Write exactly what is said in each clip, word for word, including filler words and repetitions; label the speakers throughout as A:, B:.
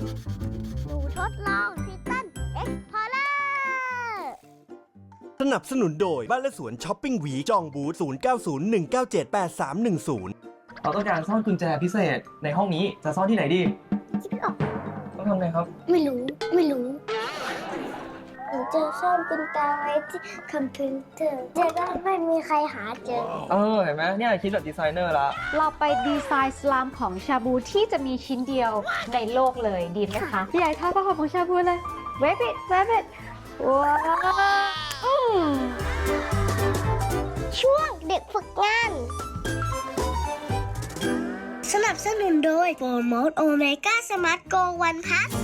A: หนูทดลองทิตันเอ็กพอร์เลอร์
B: สนับสนุนโดยบ้านและสวนช้อปปิ้งวีจองบูธศูนย์ เก้า ศูนย์ หนึ่ง เก้า เจ็ด แปด สาม หนึ่ง ศูนย์
C: เราต้องการซ่อนกุญแจพิเศษในห้องนี้จะซ่อนที่ไหนดี
A: คิดไม่ออก
C: ต้องทำไงครับ
A: ไม่รู้ไม่รู้หนูจะซ่อนกุญแจไว้ที่คอมพิวเตอร์จะได้ไม่มีใครหาเจอ
C: เออเห็นไหมเนี่ยคิดแบบดีไซเนอร์ละ
D: เราไปดีไซน์สลามของชาบูที่จะมีชิ้นเดียวในโลกเลยดีไหมคะพี่ใหญ่ท่าผ้าห่มของชาบูเลยเวบิดเวบิดว้าว
A: ช่วงเด็กฝึกงานสนับสนุนโดยโปรโมทโอเมก้าสมาร์ทโกวันพัส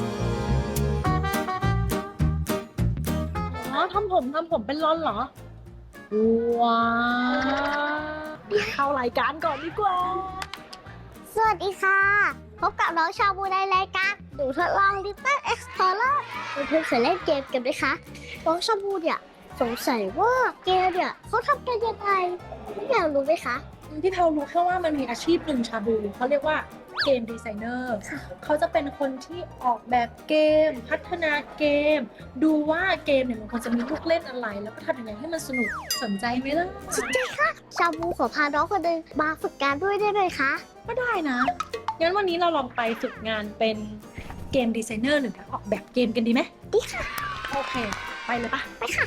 E: อ๋อทำผมทำผมเป็นรอนเหรอว้าวเข้ารายการก่อนดีกว่า
A: สวัสดีค่ะพบกับน้องชาบูในรายการหนูทดลอง Little Explorer เพื่อนๆเคยเล่นเกมกันไหมคะน้องชาบูเนี่ยสงสัยว่าเกมเนี่ยเขาทำกันยังไงอยากรู้ไหมคะ
E: พี่แพลรู้แค่ว่ามันมีอาชีพหนึ่งชาบูเขาเรียกว่าเกมดีไซเนอร์เขาจะเป็นคนที่ออกแบบเกมพัฒนาเกมดูว่าเกมเนี่ยมันควรจะมีลูกเล่นอะไรแล้วก็ทำยังไงให้มันสนุกสนใจไหมล่ะ
A: สนใจค่ะชาบูขอพาน้องคนหนึ่งมาฝึกงานด้วยได้ไหมคะ
E: ก็ได้นะงั้นวันนี้เราลองไปฝึกงานเป็นเกมดีไซเนอร์หรือออกแบบเกมกันดีไหม
A: ดีค่ะ
E: โอเคไปเลยปะ
A: ไปค่ะ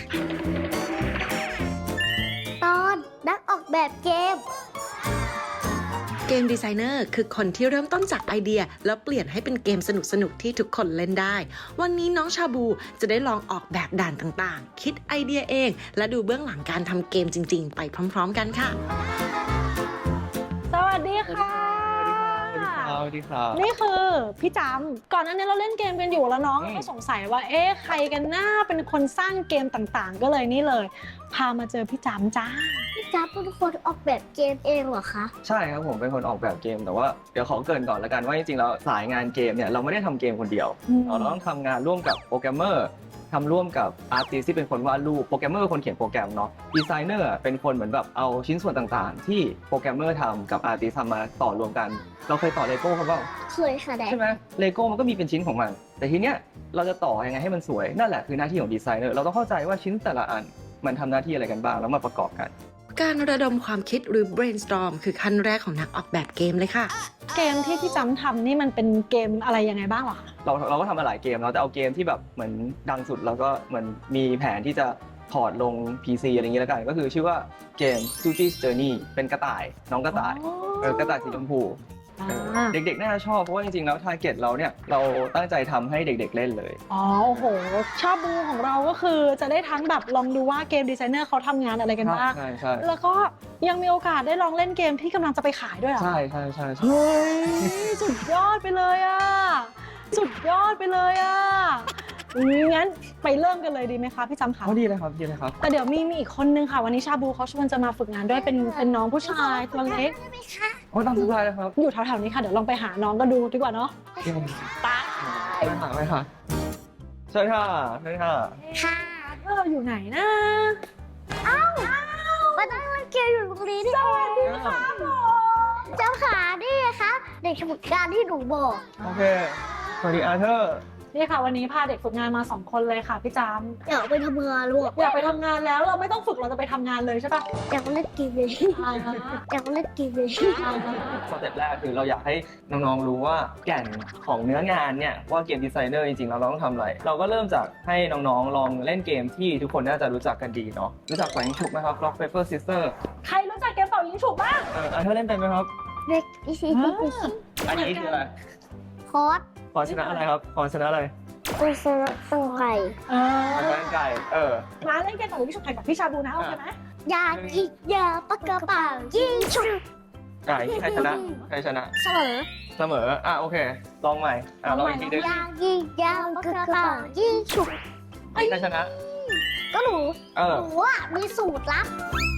A: ตอนนักออกแบบเกม
F: เกมดีไซเนอร์คือคนที่เริ่มต้นจากไอเดียแล้วเปลี่ยนให้เป็นเกมสนุกๆที่ทุกคนเล่นได้วันนี้น้องชาบูจะได้ลองออกแบบด่านต่างๆคิดไอเดียเองและดูเบื้องหลังการทำเกมจริงๆไปพร้อมๆกันค่ะ
E: สวัสดีค่ะ
C: สวัสดีครับ
E: นี่คือพี่จำก่อนหน้านี้เราเล่นเกมกันอยู่แล้วน้องก็สงสัยว่าเอ๊ะใครกันหน้าเป็นคนสร้างเกมต่างๆก็เลยนี่เลยพามาเจอพี่จำจ้า
A: พี่จำเป็นคนออกแบบเกมเองเหรอคะ
C: ใช่ครับผมเป็นคนออกแบบเกมแต่ว่าเดี๋ยวขอเกริ่นก่อนละกันว่าจริงๆแล้วสายงานเกมเนี่ยเราไม่ได้ทำเกมคนเดียวเราต้องทำงานร่วมกับโปรแกรมเมอร์ทำร่วมกับอาร์ติสที่เป็นคนวาดรูปโปรแกรมเมอร์คนเขียนโปรแกรมเนาะดีไซเนอร์เป็นคนเหมือนแบบเอาชิ้นส่วนต่างๆที่โปรแกรมเมอร์ทำกับอาร์ติสทำมาต่อรวมกันเราเคยต่อเลโก้เขาเปล่า
A: เคยค่ะแดด
C: ใช่ไหมเลโก้มันก็มีเป็นชิ้นของมันแต่ทีเนี้ยเราจะต่อยังไงให้มันสวยนั่นแหละคือหน้าที่ของดีไซเนอร์เราต้องเข้าใจว่าชิ้นแต่ละอันมันทำหน้าที่อะไรกันบ้างแล้วมาประกอบกัน
F: การระดมความคิดหรือ brainstorm คือขั้นแรกของนักออกแบบเกมเลยค่ะ
E: เกมที่พี่จำทำนี่มันเป็นเกมอะไรยังไงบ้างหรอ
C: เราเราก็ทำมาหลายเกมเราจะเอาเกมที่แบบเหมือนดังสุดแล้วก็เหมือนมีแผนที่จะถอดลง พี ซี อะไรอย่างนี้แล้วกันก็คือชื่อว่าเกม Suji's Journey เป็นกระต่ายน้องกระต่ายเออกระต่ายสีชมพูเด็กๆน่าจะชอบเพราะว่าจริงๆแล้วทาร์เก็ตเราเนี่ยเราตั้งใจทำให้เด็กๆเล่นเลย
E: อ๋อโอ้โหชอบบูของเราก็คือจะได้ทั้งแบบลองดูว่าเกมดีไซเนอร์เขาทำงานอะไรกันบ้าง
C: ใช่ใช่
E: แล้วก็ยังมีโอกาสได้ลองเล่นเกมที่กำลังจะไปขายด้วยอ่ะ
C: ใช่ใช่ใช่
E: เฮ้ยสุดยอดไปเลยอ่ะสุดยอดไปเลยอ่ะงั้นไปเริ่มกันเลยดีไหมคะพี่จำคะ
C: ดีเลยครับดีเลยครับ
E: แต่เดี๋ยวมีมีอีกคนนึงค่ะวันนี้ชาบูเขาชวนจะมาฝึกงานด้วยเป็นเป็นน้องผู้ชายตัวเล็ก
C: โอ้ตามสบายเลยครับ
E: อยู่แถวๆนี้ค่ะเดี๋ยวลองไปหาน้องกันดูดีกว่าเนาะ
C: ตาไปหาไปค่ะใช่ค่ะใช่ค่ะ
A: ค่ะ
E: เราอยู่ไหนนะ
A: เอ้ามาตั้งเล่นเกมอยู่ตรงนี้นี่ส
E: วัสดีค่ะ
A: เจ้าขานี่คะเด็กฝึกงานที่หนูบอก
C: โอเคสวัสดีอาร์เธอร์
E: นี่ค่ะวันนี้พาเด็กฝึกงานมาสองคนเลยค่ะพี่จำ
A: อยากไปทำงานลูก
E: อยากไปทำงานแล้วเราไม่ต้องฝึกเราจะไปทำงานเลยใช่ปะ
A: อยากเล่นเกมเลยอยากเล่นเกมเลย
C: สเต็ปแรกคือเราอยากให้น้องๆรู้ว่าแก่นของเนื้องานเนี่ยว่าเกมดีไซเนอร์จริงๆเราต้องทำอะไรเราก็เริ่มจากให้น้องๆลองเล่นเกมที่ทุกคนน่าจะรู้จักกันดีเนาะรู้จักแหวนฉุกไหมครับ Rock Paper Scissors
E: ใครรู้จักเกมเป่ายิงฉุกบ้าง
C: เอออาร์เธอร์เล่นเป็นไหมครับ
A: เด็กอีซีอีซี
C: อันนี้คืออะไร
A: คอร์ส
C: พอชนะอะไรครับพอชนะอะไร
A: คุณชนะตังไก่
E: เออ
C: ตังไก่เออ
E: มาเล่นเกมต่อยิงฉุกแข่งกับพี่ชาบูนะโอเคไหม
A: ยากิยาปากกระเป๋ายิงฉุก
C: ไก่ใครชนะใครชนะ
A: เสมอ
C: เสมออ่ะโอเคลองใหม่อ่ะลองอีกทีนึง
A: ยากิยาปากกระเป๋ายิงฉุก
C: ใครชนะ
A: ก็หนูหนูอ่ะมีสูตรลับ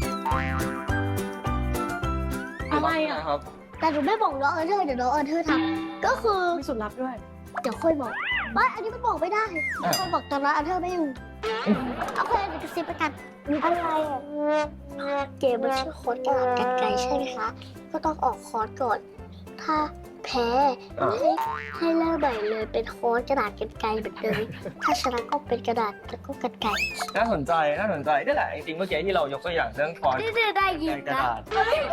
E: อะไรอ่ะ
C: ครับ
A: แต่หนูไม่บอกน้องเออเธอเดี๋ยวน้องเออเธอทำก็คือ
E: มีสูตรลับด้วย
A: เดี๋ยวค่อยบอกว่าอันนี้มันบอกไม่ได้ค่อยบอกตอนนั้นเออเธอไม่อยู่เอาไปเดี๋ยวกระซิบไปกันอะไรอ่ะเกมมันชื่อโค้ดกระดาษกันไกลใช่ไหมคะก็ต้องออกคอร์สก่อนถ้าแพ้ให้ให้เริ่มใหม่เลยเป็นโค้ดกระดาษกันไกรเหมือนเดิมถ้าชนะก็เป็นกระดาษแล้วก็กันไกร
C: น่าสนใจน่าสนใจนี่แหละจริงๆเมื่อกี้ที่เรายกตัวอย่างเรื่องคอน
A: นี่เธอได้ยิน
C: กระ
A: นะ
C: ดาษ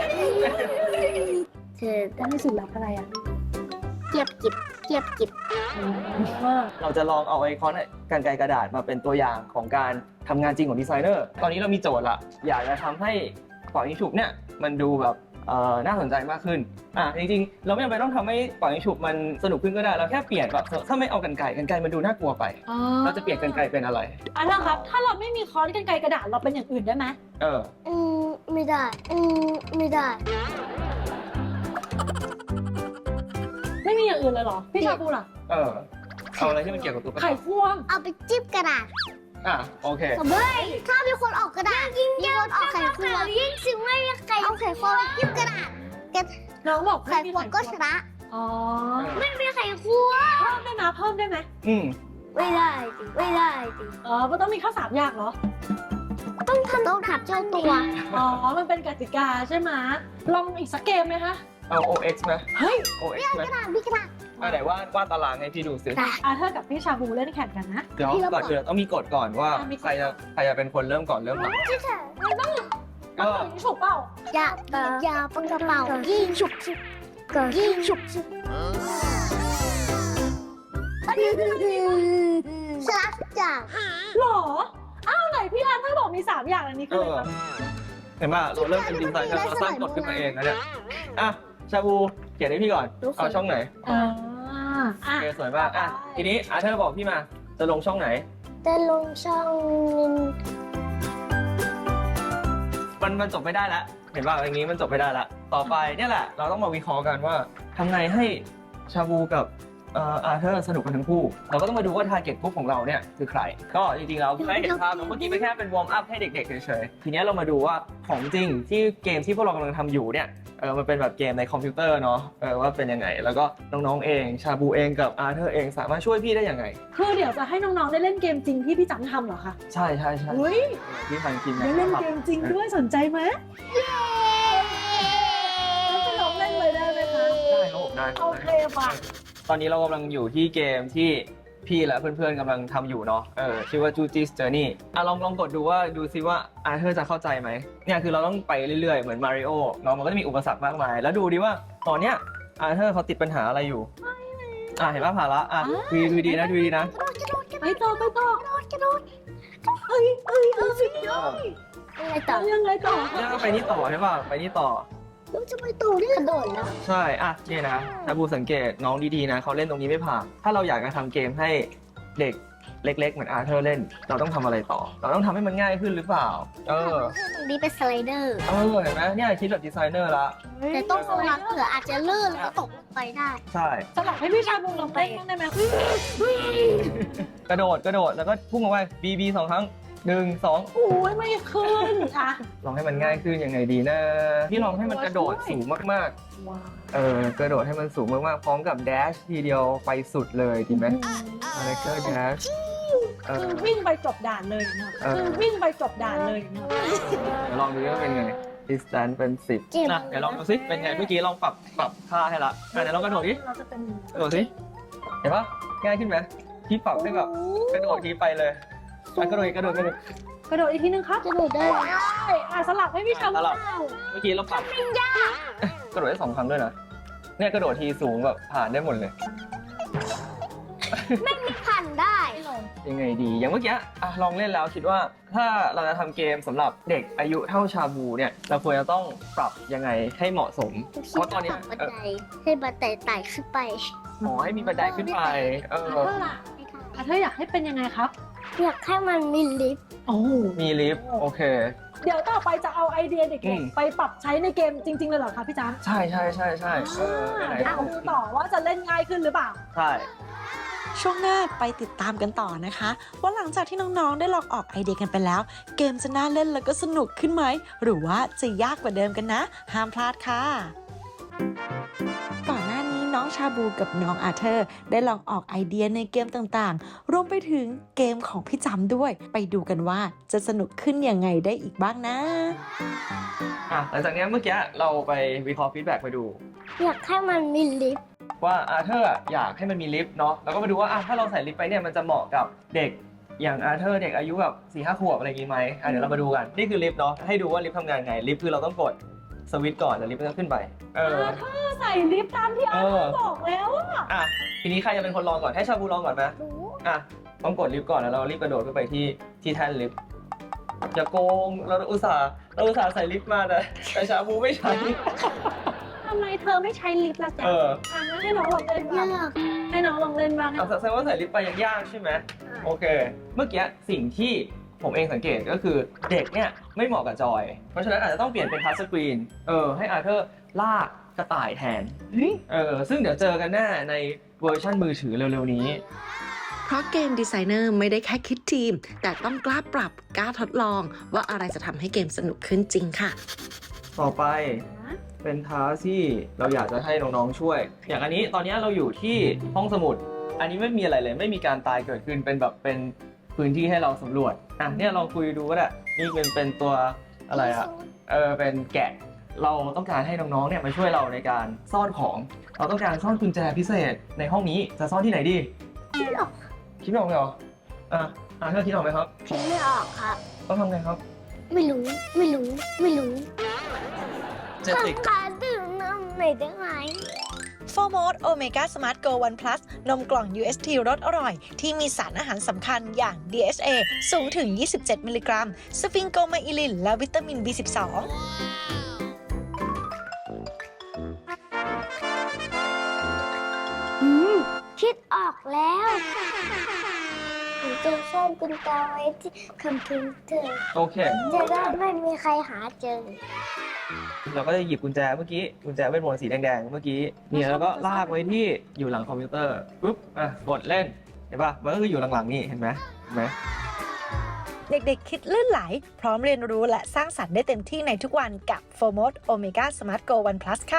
A: เธอ
E: แล้วมีสูตรลับอะไรอ่ะ
A: เทียบกิบเทียบกิบ
C: เราจะลองเอาไอคอนกันไกรกระดาษมาเป็นตัวอย่างของการทำงานจริงของดีไซเนอร์ ตอนนี้เรามีโจทย์ละอยากจะทำให้ปล่อยยิงฉุบเนี่ยมันดูแบบเอ่อน่าสนใจมากขึ้นอ่ะจริงๆเราไม่จำเป็นต้องทำให้ปล่อยยิงฉุบมันสนุกขึ้นก็ได้เราแค่เปลี่ยนแบบถ้าไม่เอากันไกรกันไกรมันดูน่ากลัวไป เราจะเปลี่ยนกันไกรเป็นอะไร
E: อ่ะนะครับ ถ้าเราไม่มีค้อนกันไกรกระดาษเราเป็นอย่างอื่นได้ไหม
C: เออ
A: อืมไม่ได้อืมไม่ได้
E: ไม่มีอย่างอื่นเลยเหรอ พี่ชาบูล่ะ
C: เออเอาอะไรที่มันเกี่ยวกับตุ๊ก
E: ไข่
C: ตา
E: ควง
A: เอาไปจิ้มกระดาษ
C: อ่ะโอเค
A: เฮ้ยถ้ามีคนออกกระดาษยิ่งมีคนออกไข่ควงยิ่งสิไม่มีใครเอาไข่ควงไปจิ้มกระดาษ
E: น้องบอก
A: ไข่
E: ไม่มี
A: ควงก็ชนะ
E: อ๋อ
A: ไม่มีไข่ควง
E: เพิ่มได้ไหมเพิ่มได้ไหม
C: อืม
A: ไม่ได้จริงไม่ได้จริง
E: อ๋อมันต้องมีข้าวสามอย่างเหรอ
A: ต้องทำต้องถับเจ้าตัว
E: อ๋อ มันเป็นกติกาใช่ไหมลองอีกสักเกมไหมคะ
C: เอา โอ เอ็กซ์ ไหม
E: เฮ้ย
C: โอ เอ็กซ์ ไหม
A: กระดาษมีกระดาษ
C: อ่ะไหนวาดวาดตารางให้พี่ดูสิ
A: ได้
E: อาเธอร์กับพี่ชาบูเล่นแข่งกันนะ
C: เดี๋ยว
A: พี่เรา
C: ก่อน
A: บอก
C: อื่นต้องมีกฎก่อนว่า
E: อ่ะมีกฎ
C: ใครจะใครจะเป็นคนเริ่มก่อนเริ่มหลัง
A: ที่เธอ
E: ต้อง
C: ก็
E: ถึงฉุบเปล่า
A: อย่าอย่าปังกระเป๋ายิงฉุบฉุบยิงฉุบฉุบชนะจ้ะ
E: หรอ อ้าวไหนพี่อาเธอร์บอกมีสามอย่างอันนี้
C: เอ
E: คือ
C: อ
E: อะไร
C: เห็นป่ะเราเริ่มเป็นดีไซน์กันเราสร้างกฎขึ้นมาเองนะเนี่ยอ่ะชาบูเขียนให้พี่ก่อนเอาช่องไหน
E: อ่าอ่ะ
C: โอเคสวยมากอ่ะทีนี้อาเธอร์บอกพี่มาจะลงช่องไหน
A: จะลงช่อง
C: มันมันจบไม่ได้แล้วเห็นป่ะอย่างนี้มันจบไม่ได้ละต่อไปเนี่ยแหละเราต้องมาวิเคราะห์กันว่าทำไงให้ชาบูกับเอ่ออาเธอร์สนุกกันทั้งคู่เราก็ต้องมาดูว่าทาร์เก็ตกลุ่มของเราเนี่ยคือใคร ก็จริงๆเราไม่เห็นภาพเมื่อกี้เป็นแค่เป็นวอร์มอัพให้เด็กๆเฉยๆทีนี้เรามาดูว่าของจริงที่เกมที่พวกเรากำลังทำอยู่เนี่ยเออมันเป็นแบบเกมในคอมพิวเตอร์เนาะเออว่าเป็นยังไง แล้วก็น้องๆเองชาบูเองกับอาเธอร์เองสามารถช่วยพี่ได้ยังไง
E: คือเดี๋ยวจะให้น้องๆได้เล่นเกมจริงที่พี่จังทำเหรอคะ
C: ใช่ใช่ใช่
E: อุ้ย
C: ที่ทางทีมงา
E: ได้
C: น
E: เล่นเกมจริงด้วยสนใจไหมแล้วจะลองเล่นเลยได้ไหมคะ
C: ได้ครับผมได้
E: โอเคป่ะ
C: ตอนนี้เรากำลังอยู่ที่เกมที่พี่และเพื่อนๆกำลังทำอยู่เนาะ เออชื่อว่า Juji's Journey อ่ะลองลองกดดูว่าดูซิว่าอาเธอร์จะเข้าใจไหม เนี่ยคือเราต้องไปเรื่อยๆ เหมือนมาริโอเนาะมันก็จะมีอุปสรรคมากมาย แล้วดูดิว่าตอนเนี้ยอาเธอร์เขาติดปัญหาอะไรอยู่ อ่ะเห็นป่ะผ่านละอ่ะดูดูดีนะดูดีนะ
E: ไปต่อไปต่อก
A: ระโดด
E: เอ้ยเอ้ยเอ้ยสุดยอด
A: อะไรต่อ
E: ยังไงต่อ
C: เนี่ยก็ไปนี่ต่อใช่ป่ะ ไปนี่ต่อ
A: แล้วจะไปตู่นี่กระโดดแล้ว
C: ใช่ อ่ะนี่นะถ้าบูสังเกตน้องดีๆนะเขาเล่นตรงนี้ไม่ผ่าน ถ้าเราอยากจะทำเกมให้เด็กเล็กๆ เหมือนอาเธอร์เล่น เราต้องทำอะไรต่อ เราต้องทำให้มันง่ายขึ้นหรือเปล่า เออ
A: ตรงนี้เป็นสไลเดอร์
C: เออเห็นไหมเนี่ยคิดแบบดีไซเนอร์ละ
A: แต่ต้องระวังเผื่ออาจจะลื่นแล้วตกลงไปได้
C: ใช่
E: สลับให้พี่ชาบูลองเล่นบ้างได้ไหม
C: กระโดดกระโดดแล้วก็พุ่งออกไปบีบีสองครั้งหนึ่งสอง
E: โอ้ยไม่ขึ้นอ่ะ
C: ลองให้มันง่ายขึ้นยังไงดีนะพี่ลองให้มันกระโดดสูงมาก
E: ว้าว
C: ๆเออกระโดดให้มันสูงมากๆพร้อมกับแดชทีเดียวไปสุดเลยดีไหมอะไรก็แดชเอ
E: คือ
C: อ
E: วิ่งไปจบด่านเลยนะ
C: เออ
E: คือวิ่งไปจบด่านเลยนะ
C: เดี๋ยวลองดูว่าเป็นไง distance เป็นสิบ
A: เจ็บ
C: นะเดี๋ยวลองดูสิเป็นไงเมื่อกี้ลองปรับปรับค่าให้ละอ่ะเดี๋ยวลองกระโดดดิ
E: เราจะเป็น
C: กระโดดสิเห็นปะง่ายขึ้นไหมพี่ปรับให้แบบกระโดดทีไปเลยอ่ะกระโดดอีกกระโดดกระโดด
E: กระโดดอีกทีนึงครับ
A: กระโดดได้
E: ใช่อ่ะสลับให้พี่ชาบู
C: สลับ เมื่อกี้เราปรับกระโดดได้สองครั้งด้วยนะเนี่ยกระโดดทีสูงแบบผ่านได้หมดเลย
A: ผ่านได้
C: ยังไงดีอย่างเมื่อกี้อ่ะลองเล่นแล้วคิดว่าถ้าเราจะทำเกมสำหรับเด็กอายุเท่าชาบูเนี่ยเราควรจะต้องปรับยังไงให้เหมาะสม เพราะตอนเนี้ย
A: บัน
C: เออ
A: ไดให้บันไดไต่ขึ้นไป
C: หมอให้มีบันไดขึ้นไปเออ
E: เท่าไหร่อ่ะเธออยากให้เป็นยังไงครับ
A: อยากให้มันมีลิฟต์
E: โอ้
C: มีลิฟต์โอเค
E: เดี๋ยวต่อไปจะเอาไอเดียเด็
C: อื
E: ก
C: ม
E: ๆไปปรับใช้ในเกมจริง ๆ เลยเหรอคะพี่จ๊ะ
C: ใช่ใช่ใช่ใช่เออไหน
E: เดี๋ยวดูต่อว่าจะเล่นง่ายขึ้นหรือเปล่า
C: ใช่
F: ช่วงหน้าไปติดตามกันต่อนะคะ ว่าหลังจากที่น้องๆได้ลองออกไอเดียกันไปแล้ว เกมจะน่าเล่นแล้วก็สนุกขึ้นไหม หรือว่าจะยากกว่าเดิมกันนะ ห้ามพลาดค่ะ ก่อนหน้านี้น้องชาบูกับน้องอาเธอร์ ได้ลองออกไอเดียในเกมต่างๆ รวมไปถึงเกมของพี่จำด้วย ไปดูกันว่าจะสนุกขึ้นยังไงได้อีกบ้างนะ
C: อ่ะหลังจากเนี้ยเมื่อกี้เราไปวิเคราะห์ฟีดแบ็กไปดู
A: อยากให้มันมีลิฟต์
C: ว่าอาเธอร์อยากให้มันมีลิฟต์เนาะแล้วก็มาดูว่าอ่ะถ้าเราใส่ลิฟต์ไปเนี่ยมันจะเหมาะกับเด็กอย่างอาเธอร์เด็กอายุแบบสี่ห้าขวบอะไรอย่างงี้ไหมอ่ะเดี๋ยวเรามาดูกันนี่คือลิฟต์เนาะให้ดูว่าลิฟต์ทำงานไงลิฟต์คือเราต้องกดสวิตช์ก่อนแล้วลิฟต์มันจะขึ้นไปเออ
E: อาเธอร์ใส่ลิฟต์ตามที่อาเธอร์บอกแล้วอะ
C: อ่ะทีนี้ใครจะเป็นคนลองก่อนให้ชาบูลองก่อนไหม
A: รู้
C: อ่ะต้องกดลิฟต์ก่อนแล้วเรารีบกระโดดขึ้นไปที่ที่แท่นลิฟต์อย่าโกงเราอุตส่าห์เราอุตส่าห์ใส่ลิฟต์มาแต่แต่ชาบูไม่ใช้
E: ทำไมเธอไม่ใช้ลิฟต์ล่ะจ๊ะ
C: เออ
E: อ่ะงั้นให้น้องลองเล่นบ้าง
A: ยาก
E: ให้น้องลองเล่นบ้าง
C: เอาแสดงว่าใส่ลิฟต์ไปยังยากใช่ไหมโอเค เมื่อกี้สิ่งที่ผมเองสังเกตก็คือเด็กเนี่ยไม่เหมาะกับจอย เพราะฉะนั้นอาจจะต้องเปลี่ยนเป็นทัชสกรีนเออให้อาเธอร์ลากกระต่ายแทนเออซึ่งเดี๋ยวเจอกันแน่ในเวอร์ชันมือถือเร็วๆนี้
F: เพราะเกมดีไซเนอร์ไม่ได้แค่คิดทีม แต่ต้องกล้าปรับกล้าทดลอง ว่าอะไรจะทำให้เกมสนุกขึ้นจริงค่ะ
C: ต่อไปเป็นท้าที่เราอยากจะให้น้องๆช่วย อย่างอันนี้ตอนนี้เราอยู่ที่ห้องสมุด อันนี้ไม่มีอะไรเลยไม่มีการตายเกิดขึ้นเป็นแบบเป็นพื้นที่ให้เราสำรวจอ่ะเนี่ยลองคุยดูก็ได้นี่เป็นเป็นตัวอะไรอะเออเป็นแกะเราต้องการให้น้องๆเนี่ยมาช่วยเราในการซ่อนของ เราต้องการซ่อนกุญแจพิเศษในห้องนี้จะซ่อนที่ไหนดี
A: คิดไม่ออก
C: คิดไม่ออกเลยเหรออ่ะอ่ะเธอคิดออกไหมครับ
A: คิดไม่ออกครับ
C: ต้องทำไงครับ
A: ไม่รู้ ไม่รู้ ไม่รู้
C: เจติก
A: ทำการดื่มน้ำหน่อยได้ไหม
G: โฟร์โมด Omega Smart Go One Plus นมกล่อง ยู เอส ที รสอร่อย ที่มีสารอาหารสำคัญอย่าง ดี เอส เอ สูงถึง ยี่สิบเจ็ด มิลลิกรัม สฟิงโกไมอิลิน และวิตามิน บี สิบสอง
A: อืม คิดออกแล้วหนูจะซ่อนกุญแจไว้ที่คอมพิวเตอร์
C: โอเค
A: จะได้ไม่มีใครหาเจอ
C: เราก็จะหยิบกุญแจเมื่อกี้กุญแจเวทมนต์สีแดงๆเมื่อกี้เนี่ยแล้วก็ลากไว้ที่อยู่หลังคอมพิวเตอร์ปุ๊บอ่ะกดเล่นเห็นปะมันก็คืออยู่หลังๆนี่เห็นไหมเห็นไหม
G: เด็กๆ คิดลื่นไหล พร้อมเรียนรู้และสร้างสรรค์ได้เต็มที่ในทุกวันกับ โฟร์โมด Omega Smart Go One Plus ค่ะ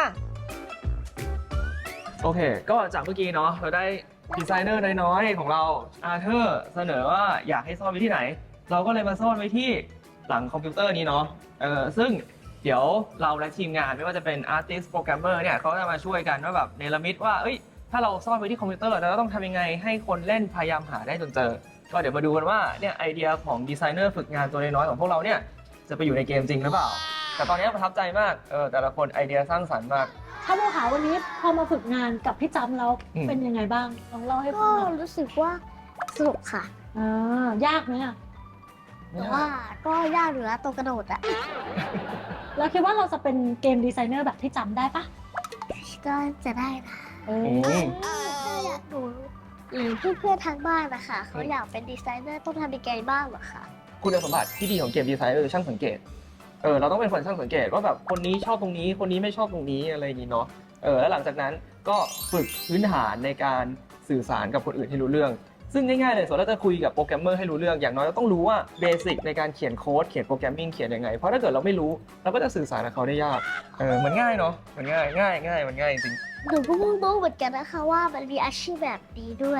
C: โอเค ก็จากเมื่อกี้เนาะเราได้ดีไซเนอร์น้อยๆของเราอาร์เธอร์เสนอว่าอยากให้ซ่อนไว้ที่ไหน เราก็เลยมาซ่อนไว้ที่หลังคอมพิวเตอร์นี้เนาะเออซึ่งเดี๋ยวเราและทีมงานไม่ว่าจะเป็น Artist Programmer เนี่ยเขาจะมาช่วยกันว่าแบบเนรมิตว่าเอ้ยถ้าเราซ่อนไว้ที่คอมพิวเตอร์เราต้องทำยังไงให้คนเล่นพยายามหาได้จนเจอ ก็เดี๋ยวมาดูกันว่าเนี่ยไอเดียของดีไซเนอร์ฝึกงานตัวน้อยๆของพวกเราเนี่ยจะไปอยู่ในเกมจริงหรือเปล่า แต่ตอนนี้ประทับใจมากเออแต่ละคนไอเดียสร้างสรรค์มาก
E: ถ้าโมหาวันนี้พอมาฝึกงานกับพี่จำแล้ว
C: อืม
E: เป็นยังไงบ้างลองเล่าให้ฟั
A: ก็
E: งหน่อย
A: รู้สึกว่าสนุกค่ะ
E: อ่ายากไหมอะ
A: แต่ว่าก็ยากเหลือตัวกระโดดอะ
E: แล้วคิดว่าเราจะเป็นเกมดีไซเนอร์แบบที่จำได้ปะ
A: ก็จะได้นะ
E: เอ
C: อื
E: อ
C: ม
A: ถ้าอยากดูหรือเพื่อนๆทางบ้านนะคะเขาอยากเป็นดีไซเนอร์ต้องทำยังไงบ้างเหรอคะ
C: คุณสมบัติที่ดีของเกมดีไซน์ก็คือช่างสังเกต เออเราต้องเป็นคนช่างสังเกตว่าแบบคนนี้ชอบตรงนี้คนนี้ไม่ชอบตรงนี้อะไรอย่างนี้เนาะ เออแล้วหลังจากนั้นก็ฝึกพื้นฐานในการสื่อสารกับคนอื่นให้รู้เรื่อง ซึ่งง่ายๆเลยส่วนเราจะคุยกับโปรแกรมเมอร์ให้รู้เรื่องอย่างน้อยเราต้องรู้ว่าเบสิกในการเขียนโค้ดเขียนโปรแกรมมิ่งเขียนยังไง เพราะถ้าเกิดเราไม่รู้เราก็จะสื่อสารกับเขาได้ยาก เออมันง่ายเนาะมันง่ายง่ายง่ายมันง่ายจริง
A: หนูก็เพิ่งรู้เหมือนกันนะคะว่ามันมีอาชีพแบบนี้ด้วย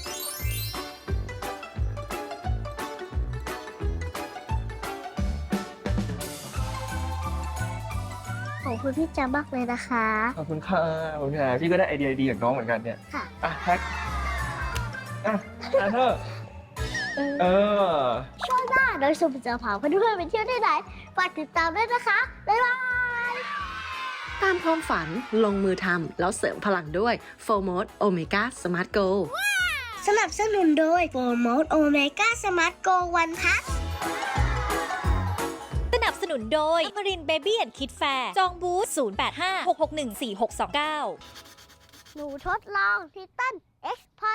A: ขอบคุณพี่จามากเลยนะคะ
C: ขอบคุณค่ะขอบคุณค่ะพี่ก็ได้ไอเดียดีจากน้องเหมือนกันเนี่ย
A: ค่ะ
C: อ่ะแท็กอ่ะอาเธอร์เออ
A: ช่วงหน้าโดยสุภจะพาเพื่อนๆไปเที่ยวที่ไหนฝากติดตามด้วยนะคะ บ๊ายบาย
F: ตามความฝันลงมือทำแล้วเสริมพลังด้วย โฟร์โมด Omega Smart Go
A: สนับสนุนโดยโฟร์โมดโอเมก้าสมาร์ทโกวันพัส
H: สนับสนุนโดย Marine Baby and Kid Fair จองบูธ ศูนย์ แปด ห้า หก หก หนึ่ง สี่ หก สอง เก้า
A: หนูทดลองทิตันเอ็กซ์พอ